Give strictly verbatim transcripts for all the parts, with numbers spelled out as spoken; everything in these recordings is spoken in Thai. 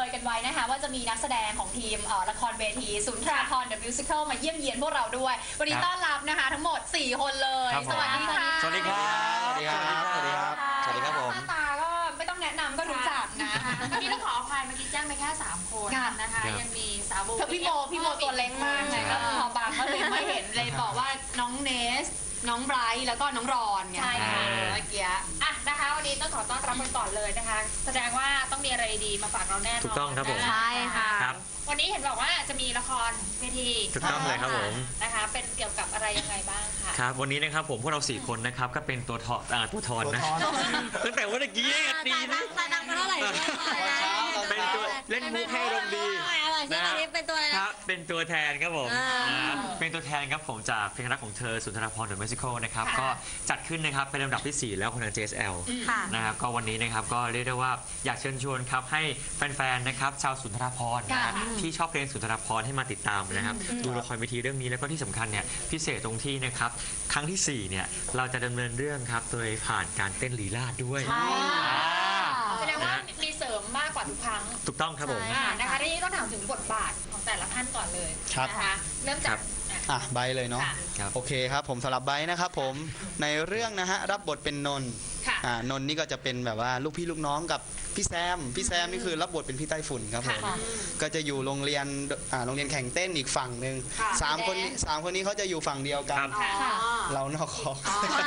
ยกันไว้นะคะว่าจะมีนักแสดงของทีมละครเวทีสุนทราภรณ์ The Musical มาเยี่ยมเยียนพวกเราด้วยวันนี้ต้อนรับนะคะทั้งหมดสี่คนเลยสวัสดีค่ะสวัสดีครับสวัสดีครับสวัสดีครับสวัสดีครับผมหน้าตาก็ไม่ต้องแนะนำก็รู้จักนะเมื่อกี้ต้องขออภัยเมื่อกี้แจ้งไปแค่สามคนนะคะยังมีสาวโบพี่โมพี่โมตัวเล็กมากไงก็พอบางก็เลยไม่เห็นเลยบอกว่าน้องเนสน้องไบรท์แล้วก็น้องรอนไงใช่ค่ะเมื่อกี้อ่ะนะคะวันนี้ต้องขอต้อนรับกันก่อนเลยนะคะแสดงว่าต้องมีอะไรดีมาฝากเราแน่นอนถูกต้องครับผมใช่ค่ะวันนี้เห็นบอกว่าจะมีละครเวทีถูกต้องเลยครับผมนะคะเป็นเกี่ยวกับอะไรยังไงบ้างคะครับวันนี้นะครับผมพวกเราสี่คนนะครับก็เป็นตัวทอตัวทอนนะตั้งแต่วันเมื่อกี้ดีนะแต่ดังเท่าไหร่เป็นตัวเล่นมุกให้รมดีนะเป็นตัวครับเป็นตัวแทนครับผมเป็นตัวแทนครับผมจากเพลงรักของเธอสุนทรภรณ์ The Musical นะครับก็จัดขึ้นนะครับเป็นลำดับที่สี่แล้วของทาง เจ เอส แอล นะครับก็วันนี้นะครับก็เรียกได้ว่าอยากเชิญชวนครับให้แฟนๆนะครับชาวสุนทรภรณ์นะที่ชอบเพลงสุนทรภรณ์ให้มาติดตามนะครับดูละครเวทีเรื่องนี้แล้วก็ที่สำคัญเนี่ยพิเศษตรงที่นะครับครั้งที่สี่เนี่ยเราจะดำเนินเรื่องครับโดยผ่านการเต้นลีลาศด้วยแสดงว่ามีเสริมมากกว่าทุกครั้งถูกต้องครับผมนะคะที่นี่ต้องถามถึงบทบาทของแต่ละท่านก่อนเลยนะคะเริ่มจากอ่ะใบเลยเนาะโอเคครับผมสำหรับใบนะครับผมในเรื่องนะฮะรับบทเป็นนนท์อ่านนท์นี่ก็จะเป็นแบบว่าลูกพี่ลูกน้องกับพี่แซมพี่แซมนี่คือรับบทเป็นพี่ไต้ฝุ่นครับผมก็จะอยู่โรงเรียนอ่าโรงเรียนแข่งเต้นอีกฝั่งหนึ่งสามคนสามคนนี้เขาจะอยู่ฝั่งเดียวกันเรานอกคอก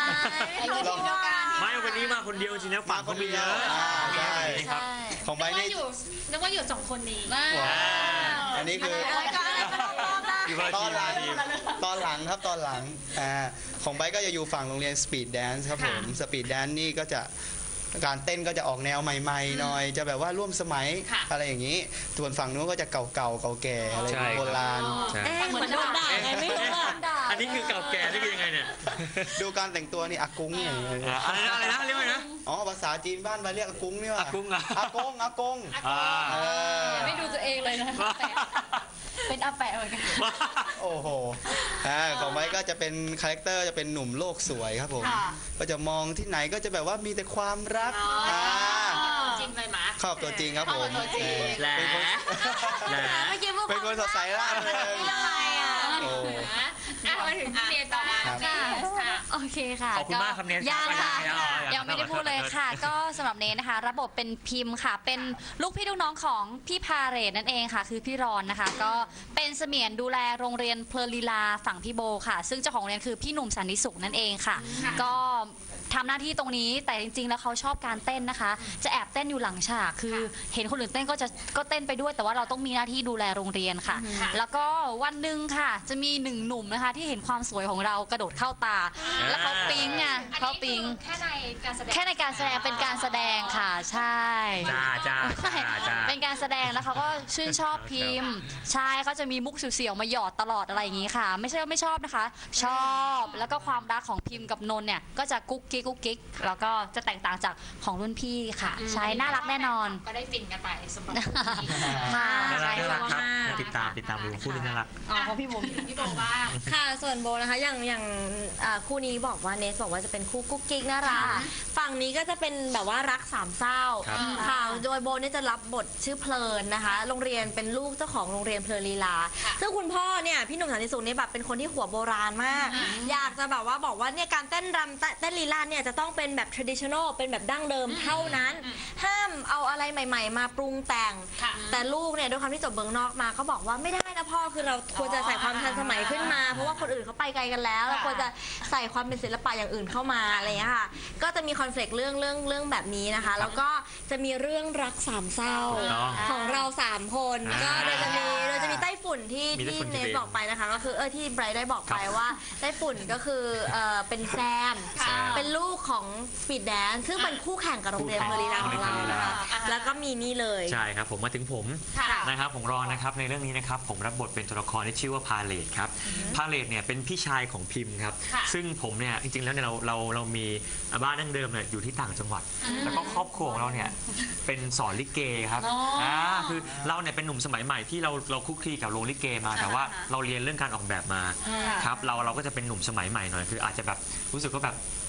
ไม่วันนี้มาคนเดียวจริงนะฝั่งเขามีเยอะใช่ครับของใบนี่นึกว่าอยู่สองคนนี้อันนี้คือตอนหลังตอนหลังครับตอนหลังอ่าของไบก็จะอยู่ฝั่งโรงเรียนสปีดแดนซ์ครับผมสปีดแดนซ์นี่ก็จะการเต้นก็จะออกแนวใหม่ๆหน่อยจะแบบว่าร่วมสมัยอะไรอย่างนี้ส่วนฝั่งนู้นก็จะเก่าๆเก่าแก่อะไรโบราณเหมือนโดนด่าไงไม่รู้อันนี้คือเก่าแก่นี่คือยังไงเนี่ยดูการแต่งตัวนี่อากุ้งอย่างเงี้ยอะไรนะอะไรนะเรียกว่านะอ๋อภาษาจีนบ้านไปเรียกอากุ้งนี่ว่าอากุ้งอะอากงอากงไม่ดูตัวเองเลยนะเป็นอาแปะเหมือนกันโอ้โหของไม้ก็จะเป็นคาแรคเตอร์จะเป็นหนุ่มโลกสวยครับผมก็จะมองที่ไหนก็จะแบบว่ามีแต่ความรักจริงเลยหมาชอบตัวจริงครับผมเป็นคนเป็นคนสดใสร่าเริงโอ้มาถึงเรียนต่อมาโอเคค่ะขอบคุณมากครับเนสยังค่ะยังไม่ได้พูดเลยค่ะก็สำหรับเนสนะคะระบบเป็นพิมพ์ค่ะเป็นลูกพี่ลูกน้องของพี่พาเรตนั่นเองค่ะคือพี่รอนนะคะก็เป็นเสมียนดูแลโรงเรียนเพลลีลาฝั่งพี่โบค่ะซึ่งเจ้าของโรงเรียนคือพี่หนุ่มสันติสุขนั่นเองค่ะก็ทำหน้าที่ตรงนี้แต่จริงๆแล้วเขาชอบการเต้นนะคะจะแอบเต้นอยู่หลังฉากคือเห็นคนอื่นเต้นก็จะก็เต้นไปด้วยแต่ว่าเราต้องมีหน้าที่ดูแลโรงเรียนค่ะแล้วก็วันหนึ่งค่ะจะมีหนึ่งหนุ่มนะคะที่เห็นความสวยของเรากระโดดเข้าตาแล้วเขาปิ๊งอ่ะเขาปิ๊งแค่ในการแสดงแค่ในการแสดงเป็นการแสดงค่ะใช่จ้าจ้าจ้าเป็นการแสดงแล้วเขาก็ชื่นชอบพิมพ์ใช่เขาจะมีมุกเสียวๆมาหยอดตลอดอะไรอย่างนี้ค่ะไม่ใช่ว่าไม่ชอบนะคะชอบแล้วก็ความรักของพิมพ์กับนนท์เนี่ยก็จะกุ๊กกิ๊กกุ๊กกิ๊กแล้วก็จะแตกต่างจากของรุ่นพี่ค่ะใช่น่ารักแน่นอนก็ได้ฟินกันไปสมบัติค่ะใช่ค่ะติดตามติดตามดูคู่นี้น่ารักอ๋อของพี่โบพี่โบบ้างค่ะส่วนโบนะคะอย่างอย่างคู่นี้บอกว่าเนสบอกว่าจะเป็นคู่กุ๊กกิ๊กน่ารักฝั่งนี้ก็จะเป็นแบบว่ารักสามเศร้าค่ะโดยโบเนี่ยจะรับบทชื่อเพลินนะคะโรงเรียนเป็นลูกเจ้าของโรงเรียนเพลินลีลาซึ่งคุณพ่อเนี่ยพี่หนุ่มสันติสุขเนี่ยแบบเป็นคนที่หัวโบราณมากอยากจะแบบว่าบอกว่าเนี่ยการเต้นรำเต้นลีลาเนี่ยจะต้องเป็นแบบ traditional เป็นแบบดั้งเดิมเท่านั้นห้ามเอาอะไรใหม่ๆมาปรุงแต่งแต่ลูกเนี่ยด้วยความที่จบเมืองนอกมาเขาบอกว่าไม่ได้นะพ่อคือเราควรจะใส่ความทันสมัยขึ้นมาเพราะว่าคนอื่นเขาไปไกลกันแล้วเราควรจะใส่ความเป็นศิลปะอย่างอื่นเข้ามาอะไรอย่างเงี้ยค่ะก็จะมีคอน flict เรื่องเรื่องเรื่องแบบนี้นะคะแล้วก็จะมีเรื่องรักสามเศร้าของเราสามคนก็เราจะมีเราจะมีไต้ฝุ่นที่ที่เนสบอกไปนะคะก็คือเออที่ไบรท์ได้บอกไปว่าไต้ฝุ่นก็คือเออเป็นแซมเป็นลูกของสปีดแดนซ์ซึ่งเป็นคู่แข่งกับโรงเรียนเพลีลาของเรานะคะแล้วก็มีนี่เลยใช่ครับผมมาถึงผมนะครับผมรอนะครับในเรื่องนี้นะครับผมรับบทเป็นตัวละครที่ชื่อว่าพาเลตครับพาเลตเนี่ยเป็นพี่ชายของพิมพ์ครับซึ่งผมเนี่ยจริงๆแล้วเนี่ยเราเราเรามีบ้านดั้งเดิมเนี่ยอยู่ที่ต่างจังหวัดแล้วก็ครอบครัวของเราเนี่ยเป็นสอนลิเกครับอ่าคือเราเนี่ยเป็นหนุ่มสมัยใหม่ที่เราเราคุกคีกับโรงลิเกมาแต่ว่าเราเรียนเรื่องการออกแบบมาครับเราเราก็จะเป็นหนุ่มสมัยใหม่หน่อยคืออาจจะแบบรู้สึกว่าแบบ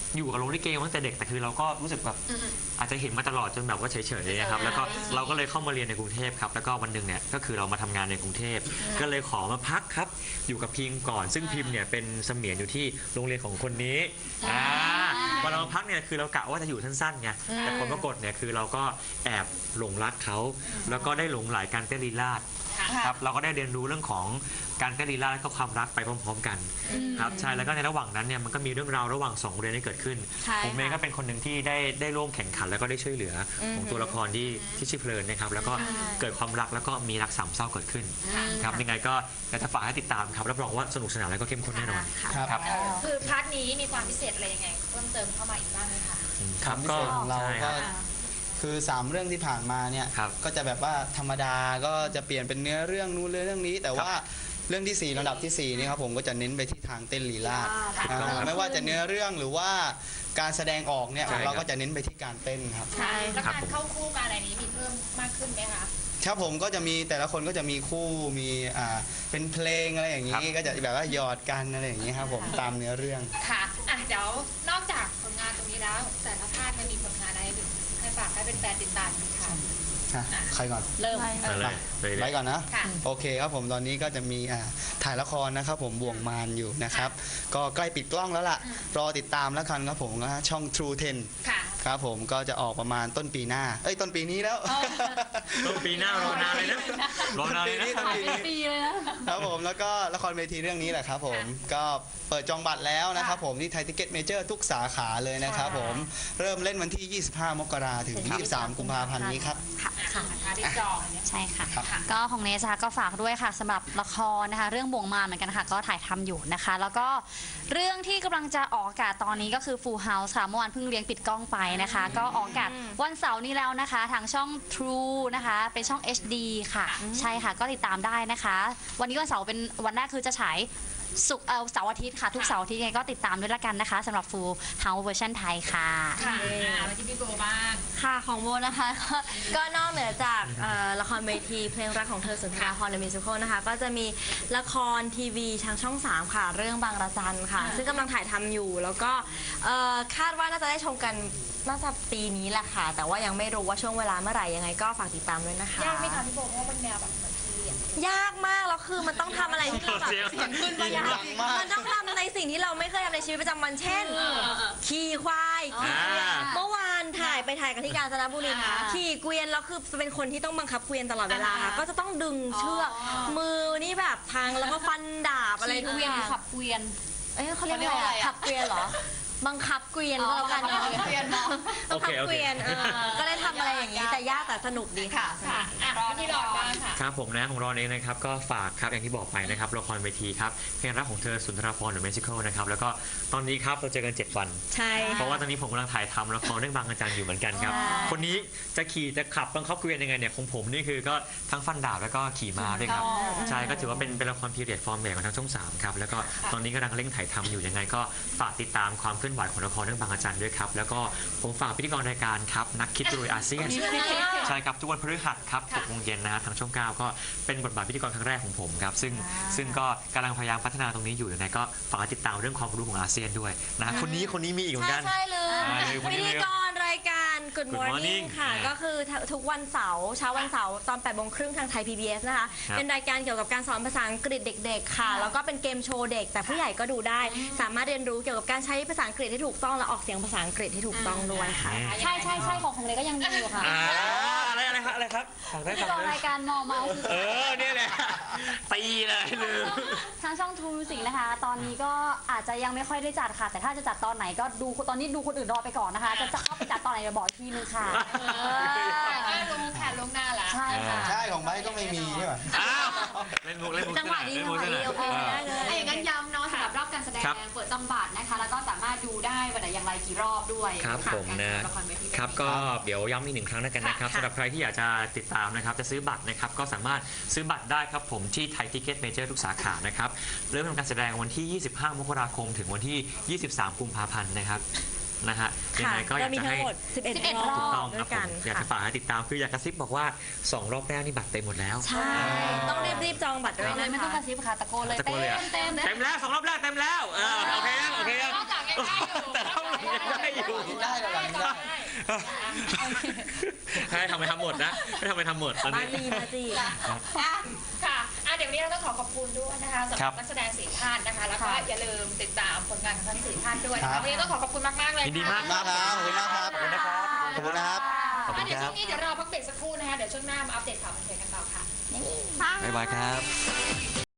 อยู่กับโรงลิเกมาตั้งแต่เด็กแต่คือเราก็รู้สึกแบบอาจจะเห็นมาตลอดจนแบบว่าเฉยๆนะครับแล้วก็เราก็เลยเข้ามาเรียนในกรุงเทพครับแล้วก็วันหนึ่งเนี่ยก็คือเรามาทำงานในกรุงเทพก็เลยขอมาพักครับอยู่กับพิมพ์ก่อนซึ่งพิมพ์เนี่ยเป็นเสมียนอยู่ที่โรงเรียนของคนนี้อ่าพอเรามาพักเนี่ยคือเรากะว่าจะอยู่สั้นๆไงแต่ผลปรากฏเนี่ยคือเราก็แอบหลงรักเขาแล้วก็ได้หลงไหลการเต้นลีลาศครับเราก็ได้เรียนรู้เรื่องของการเต้นลีลาศและก็ความรักไปพร้อมๆกันครับใช่แล้วก็ในระหว่างนั้นเนี่ยมันก็มีเรื่องราวระหว่างสองโรงเรียนที่เกิดขึ้นผมเองก็เป็นคนหนึ่งที่ได้ได้ร่วมแข่งขันแล้วก็ได้ช่วยเหลือของตัวละครที่ที่ชื่อเพลินนะครับแล้วก็เกิดความรักแล้วก็มีรักสามเศร้าเกิดขึ้นครับยังไงก็อยากจะฝากให้ติดตามครับรับรองว่าสนุกสนานและก็เข้มข้นแน่นอนครับคือพาร์ทนี้มีความพิเศษอะไรยังไงเพิ่มเติมเข้ามาอีกบ้างไหมคะครับพิก็เศษของเราใช่คก็รับคือสามเรื่องที่ผ่านมาเนี่ยครับก็จะแบบว่าธรรมดาก็จะเปลี่ยนเป็นเนื้อเรื่องนู้นเรื่องนี้ แต่ว่าเรื่องที่สี่ลำดับที่สี่นี่ครับผมก็จะเน้นไปที่ทางเต้นลีลาศถูกต้องครับไม่ว่าจะเนื้อเรื่องหรือว่าการแสดงออกเนี่ยใช่ครับเราก็จะเน้นไปที่การเต้นครับค่ะแล้วครับการผมเข้าคู่การอะไรนี้มีเพิ่มมากขึ้นไหมคะครับผมก็จะมีแต่ละคนก็จะมีคู่มีอ่าเป็นเพลงอะไรอย่างนี้ก็จะแบบว่าหยอดกันอะไรอย่างนี้ครับผมตามเนื้อเรื่องค่ะอ่ะเดี๋ยวนอกจากผลงานตรงนี้แล้ว แต่ละภาคมันมีผลงานอะไรถึงให้ฝากให้เป็นแฟนๆติดตามอีกค่ะฮะใครก่อนเริ่มมาเลยเลยเลไปยก่อนนะค่ะโอเคครับผมตอนนี้ก็จะมีอ่าถ่ายละครนะครับผมบ่วงมารอยู่นะครับก็ใกล้ปิดกล้องแล้วล่ะรอติดตามแล้วกันครับผมนะช่อง True เท็นค่ะครับผมก็จะออกประมาณต้นปีหน้าเอ้ยต้นปีนี้แล้วต้นปีหน้ารอนานเลยนะรอนานเลยนะต้นปีนี้ปีเลยนะครับผมแล้วก็ละครเวทีเรื่องนี้แหละครับผมก็เปิดจองบัตรแล้วนะครับผมที่ไทยทิเก็ตเมเจอร์ทุกสาขาเลยนะครับผมเริ่มเล่นวันที่ ยี่สิบห้ามกราถึง ยี่สิบสาม กุมภาพันธ์นี้ครับค่ะค่ะที่จองเนี่ยใช่ค่ะครับก็ของเนสนะคะก็ฝากด้วยค่ะสำหรับละครนะคะเรื่องบ่วงมารเหมือนกันค่ะก็ถ่ายทำอยู่นะคะ แล้วก็เรื่องที่กำลังจะออกอากาศตอนนี้ก็คือ Full House ค่ะเมื่อวานเพิ่งเลี้ยงปิดกล้องไปนะคะ ก็ออกอากาศวันเสาร์นี้แล้วนะคะทางช่อง True นะคะเป็นช่อง เอช ดี ค่ะ ใช่ค่ะก็ติดตามได้นะคะ วันนี้วันเสาร์เป็นวันแรกคือจะฉายศุกร์เอ่อเสาร์อาทิตย์ค่ะทุกเสาร์อาทิตย์ยังไงก็ติดตามด้วยละกันนะคะสำหรับ Full House เวอร์ชันไทยค่ะค่ะอ่ะมาที่พี่โบบ้างค่ะของโบนะคะ ก็ก็นอกเหนือจากเอ่อละครเวทีเพลงรักของเธอสุนทราภรณ์ The Musical นะคะก็จะมีละครทีวีทางช่องสามค่ะ เรื่องบางระจันค่ะ ซึ่งกำลังถ่ายทำอยู่ แล้วก็เอ่อคาดว่าน่าจะได้ชมกันน่าจะปีนี้แหละค่ะ แต่ว่ายังไม่รู้ว่าช่วงเวลาเมื่อไหร่ยังไงก็ฝากติดตามด้วยนะคะยากไหมคะพี่โบเพราะว่าเป็นแนวแบบเหมือนทีวีอ่ะยากมากแล้วคือมันต้องทำอะไรที่เราแบบเสียงขึ้นมาดังมากมันต้องทำในสิ่งที่เราไม่เคยทำในชีวิตประจำวันเช่น ขี่ควายขี่เกวียนอ่าเมื่อวานถ่ายไปถ่ายกันที่กาญจนบุรีอ่าขี่เกวียนแล้วคือเป็นคนที่ต้องบังคับเกวียนตลอดเวลาค่ะก็จะต้องดึงเชือกมือนี่แบบพังแล้วก็ฟันดาบอะไรขี่ทุกเกวีอยนย่างขับเกวียนเอ้ยเขาเรียกเขาเรียกอะไรว่าอะไรอะอะขับเกวียนเหรอบังคับเกวียนก็แล้วกันเนาะเกวียนเนาะต้องขับเกวียนเออก็ได้ทำอะไรอย่างนี้แต่ยากแต่สนุกดีค่ะค่ะอ่ะรอที่รอบ้างค่ะครับผมนะของเราเองนะครับก็ฝากครับอย่างที่บอกไปนะครับละครเวทีครับเพลงรักของเธอสุนทรภรณ์ The Musical นะครับแล้วก็ตอนนี้ครับเราเจอกันเจ็ดวันใช่เพราะว่าตอนนี้ผมกำลังถ่ายทำละครเรื่องบางอาจารย์อยู่เหมือนกันครับ คนนี้จะขี่จะขับบังคับเกวียนยังไงเนี่ยของผมนี่คือก็ทั้งฟันดาบแล้วก็ขี่ม้าด้วยครับ ใช่ก็ถือว่าเป็นเป็นละครพีเรียดฟอร์มใหญ่ของทางช่องสามครับแล้วก็ตอนนี้กำลังเร่งถ่ายทำอยู่ยังไงก็ฝากติดตามความเคลื่อนไหวของละครเรื่องบางอาจารย์ด้วยครับแล้วก็ผมฝากพิธีกรรายการครับนักคิดรวยอาเซียน ใช่ครับทุกวันพฤหัสครับหกโมงเย็นนะฮะทางช่องเก้าก็เป็นบทบาทพิธีกรครั้งแรกของผมครับซึ่งซึ่งก็กำลังพยายามพัฒนาตรงนี้อยู่ยังไงก็ฝากติดตามเรื่องความรู้ของอาเซียนด้วยนะคนนี้คนนี้มีอีกเหมือนใช่กันใช่เลยอ่าเลยคนพินี้ธีเลยกรรายการ Good Good Morning Morning ค่ะอ่าก็คือทุกวันเสาร์เช้าวันเสาร์ตอนแปดโมงครึ่งทางไทย พี บี เอส นะคะครับเป็นรายการเกี่ยวกับการสอนภาษาอังกฤษเด็ก ๆ ค่ะ แล้วก็เป็นเกมโชว์เด็ก แต่ผู้ใหญ่ก็ดูได้ สามารถเรียนรู้เกี่ยวกับการใช้ภาษาอังกฤษที่ถูกต้องและออกเสียงภาษาอังกฤษที่ถูกต้องด้วยค่ะใช่ใช่ใช่ของของเนสก็ยังมีอยู่ค่ะอ่าอะไรอะไรครับอะไรครับฝากได้ที่ฝากรอได้รายการมอเมาส์เออเนี่ยแหละตีเลยลืมทางช่อง True Music นะคะ ตอนนี้ก็อาจจะยังไม่ค่อยได้จัดค่ะ แต่ถ้าจะจัดตอนไหนก็ดูตอนนี้ดูคนอื่นรอไปก่อนนะคะ จะจะเข้าไปจัดตอนไหนเดี๋ยวบอกอีกทีนึงค่ะก็รู้แผนล่วงหน้าละใช่ค่ะใช่ของไบค์ก็ไม่มีใช่ไหมอ้าวเล่นมุกเล่นมุกจังหวะดีเล่นมุกจังหวะดีโอเคเออได้เลยอ่ะอย่างนั้นย้ำเนาะสำหรับรอบการแสดงครับเปิดจำบัตรนะคะ แล้วก็สามารถดูได้วันไหนอย่างไรกี่รอบด้วยครับะผมนะการละครเวทีครับก็เดี๋ยวย้ำอีกหนึ่งครั้งแล้วกันนะครับค่ะสำหรับใครที่อยากจะติดตามนะครับจะซื้อบัตรนะครับก็สามารถซื้อบัตรได้ครับผมที่ไทยทิเก็ตเมเจอร์ทุกสาขานะครับเริ่มทำการแสดงวันที่ ยี่สิบห้ามกราคมถึงวันที่ ยี่สิบสาม กุมภาพันธ์นะครับนะฮะยังไงก็อยากมีจะทั้ให้งหมดสิบเอ็ดสิบเอ็ดรถูอกต้บองคด้รัวบยผกัมนอยากจะค่ะฝากให้ติดตามคืออยากกระซิบบอกว่าสองรอบแรกนี่บัตรเต็มหมดแล้วใช่ต้องรีบๆจองบัตรด้วยเลนะยไม่ต้องกคะระซิบค่ะตะโกนเลยตะโกนเลยอะเต็มเต็มเต็มแล้วสองรอบแรกเต็มแล้วเออโอเคยังโอเคยังนอกจากยังได้อยู่แต่รอบหลังยังได้อยู่ได้แล้วหลังได้ให้ทำไปทำหมดนะให้ทำไปทำหมดตอนบ้านี้นลีมาจีอ่ะค่ะอ่ะเดี๋ยววันนี้เราต้องขอขอบคุณด้วยนะคะสำหครัรับบ นักแสดงสี่ท่านนะคะ แล้วก็ค่ะอย่าลืมติดตามผลงานของทั้งสี่ท่านด้วยนะครัคะบวันนี้ต้องขอขอบคุณมากๆเลยยินดีมากมากครับขอบคุณมากครับขอบคุณนะครับขอบคุณนะครับขอบคุอ่ะณเดี๋ยวครัช่บวงนี้เดี๋ยวเราพักเบรกสักครู่นะคะ เดี๋ยวช่วงหน้ามาอัปเดตข่าวบันเทิงกันต่อค่ะบ๊ายบายครับ